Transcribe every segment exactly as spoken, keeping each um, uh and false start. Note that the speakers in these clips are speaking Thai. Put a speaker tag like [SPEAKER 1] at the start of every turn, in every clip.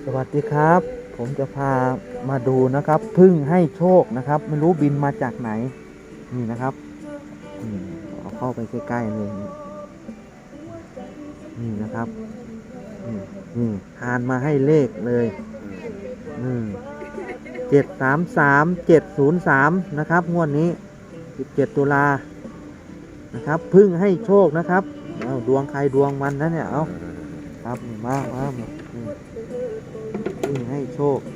[SPEAKER 1] สวัสดีครับ ผมจะพามาดูนะครับพึ่งให้โชคนะครับ ไม่รู้บินมาจากไหน นี่นะครับอืมเอาเข้าไปใกล้ๆเลยนี่นะครับนี่นี่ทานมาให้เลขเลยอืมเจ็ดสามสามเจ็ดศูนย์สามนะครับงวดนี้สิบเจ็ดตุลานะครับพึ่งให้โชคนะครับเอาดวงใครดวงมันนะเนี่ยเอาครับมามามาอืมพึ่งให้โชค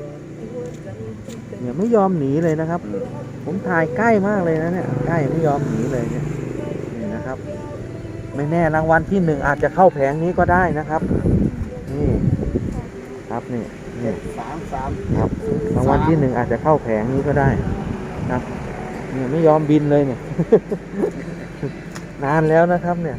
[SPEAKER 1] เนี่ยไม่ยอมหนีเลยนะครับ ผมถ่ายใกล้มากเลยนะเนี่ยใกล้ไม่ยอมหนีเลยเนี่ยนี่นะครับ ไม่แน่รางวัลที่หนึ่งอาจจะเข้าแผงนี้ก็ได้นะครับนี่ครับนี่นี่
[SPEAKER 2] สามสาม
[SPEAKER 1] ครับรางวัลที่หนึ่งอาจจะเข้าแผงนี้ก็ได้ครับเนี่ยไม่ยอมบินเลยเนี่ย นานแล้วนะครับเนี่ย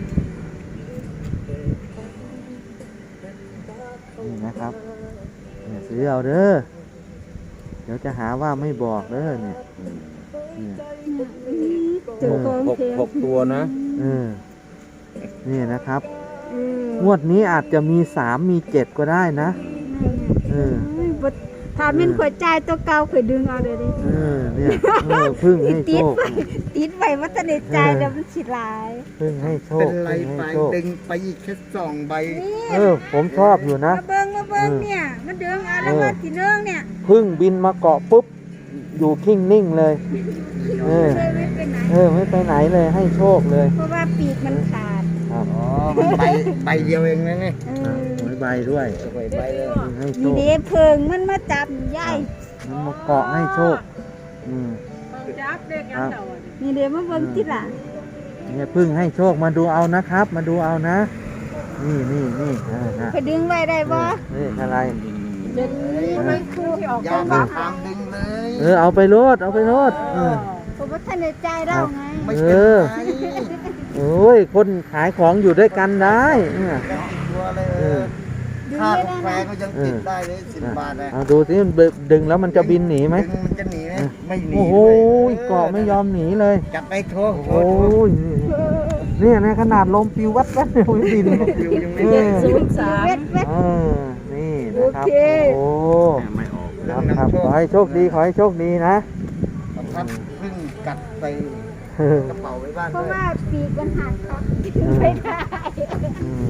[SPEAKER 1] นี่นะครับเนี่ยซื้อเอาเด้อเดี๋ยวจะหาว่าไม่บอกเด้อเนี่ยเนี่ย
[SPEAKER 2] หกหกหกตัวนะ
[SPEAKER 1] เออนี่นะครับ งวดนี้อาจจะมีสามมีเจ็ดก็ได้นะเออ
[SPEAKER 3] ถ้าเป็นขวดใจายตัวเก่าขวดดึงเอาเลยดิ
[SPEAKER 1] เออเนี่ยเออพึ่งให้โชค
[SPEAKER 3] ติดไว้ว่าตะในใจแล้วมันสิหลาย
[SPEAKER 1] พึ่งให้โช
[SPEAKER 2] เป็
[SPEAKER 1] คน
[SPEAKER 2] ไร
[SPEAKER 1] พึ่ง
[SPEAKER 2] ไป
[SPEAKER 1] ให้โชค
[SPEAKER 2] ดึงไปอีกแค่สองใบ
[SPEAKER 1] เออผมชอบอยู่นะ
[SPEAKER 3] มาเบิ่งมาเบิ่งเนี่ยมันดึงเอาแล้วว่าสิเนื่องเนี่ย
[SPEAKER 1] พึ่งบินมาเกาะปุ๊บอยู่นิ่งนิ่งๆเลยเออ
[SPEAKER 3] เลยไม่ไปไหน
[SPEAKER 1] เออไม่ไปไหนเลยให้โชคเลย
[SPEAKER 3] เพราะว่าปีกมันขาด
[SPEAKER 1] ครับ
[SPEAKER 2] อ๋อมันใบใบเดียวเองนะนี่
[SPEAKER 3] เอ
[SPEAKER 1] อ่ะ
[SPEAKER 3] อ
[SPEAKER 1] หวยใบด้วย
[SPEAKER 2] ใบใบเลย
[SPEAKER 1] พึ่งให้โช
[SPEAKER 3] นี่
[SPEAKER 1] ค
[SPEAKER 3] เด้เพิงมันมาจับใหญ่
[SPEAKER 1] มันมาเกาะให้โชคอืมครับ
[SPEAKER 3] นี่เด้มาเบิ่งติล่ะ
[SPEAKER 1] เนี่ยพึ่งให้โชคมาดูเอานะครับ มาดูเอานะ นี่นี่นี่อ่านะ
[SPEAKER 3] ไปดึงไว้ได้บ่
[SPEAKER 1] นี่อะไร
[SPEAKER 3] ดึงไว้คู่ที่ออก
[SPEAKER 2] ยา
[SPEAKER 3] ตัว
[SPEAKER 2] มา
[SPEAKER 3] ว่า
[SPEAKER 2] ทางดึงเลย
[SPEAKER 1] เออเอาไปโลดเอาไปโลดเออ
[SPEAKER 3] เพราะว่าท่านในใจเราไง
[SPEAKER 2] ไม่
[SPEAKER 1] เอ
[SPEAKER 2] เป็น
[SPEAKER 1] อ
[SPEAKER 2] ไร
[SPEAKER 1] โอ้ยคนขายของอยู่ด้วยกันได้เนี่ย
[SPEAKER 2] ยังติดตัวเลย
[SPEAKER 1] เออ
[SPEAKER 3] ดึง
[SPEAKER 2] ค่า
[SPEAKER 3] ไว้
[SPEAKER 2] กา
[SPEAKER 3] ได้
[SPEAKER 2] แฟ
[SPEAKER 3] นะ
[SPEAKER 2] ก็ยังติดได้เลยสิบบาทเลย
[SPEAKER 1] เอาดูสิมันดึงแล้วมันจะบินหนีไหม
[SPEAKER 2] ดึงมันจะหนีไหมไม่หนี
[SPEAKER 1] โอ้โห
[SPEAKER 2] เลย
[SPEAKER 1] เกาะไม่ยอมหนีเลย
[SPEAKER 2] จับไปโทษ
[SPEAKER 1] โอ้โหเนี่ยนะขนาดลมปิววัดวัดเนี่ยไม่บิน
[SPEAKER 2] ฟิวยังไม่
[SPEAKER 1] เอ
[SPEAKER 2] ได้
[SPEAKER 1] อ
[SPEAKER 3] ศูนย์สามเว็ดเว็ด
[SPEAKER 1] เออนี่นะครับ
[SPEAKER 3] โอเค
[SPEAKER 1] โอ้
[SPEAKER 2] ไม่ออก
[SPEAKER 1] ครับครับขอให้โชคดีขอให้โชคดีนะ
[SPEAKER 2] ประทับพึ่งกัดใส่กระเป๋าไว้บ้าน
[SPEAKER 3] เพ
[SPEAKER 2] ด้
[SPEAKER 3] ราะ
[SPEAKER 2] วย
[SPEAKER 3] ว่าปีกมันหักครับไม่ได้
[SPEAKER 1] อืม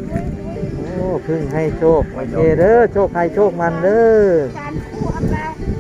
[SPEAKER 1] โอ้พึ่งให้โชคโอเคเด้อโชคใครโชคมันเด้อ
[SPEAKER 3] การคู่อะไร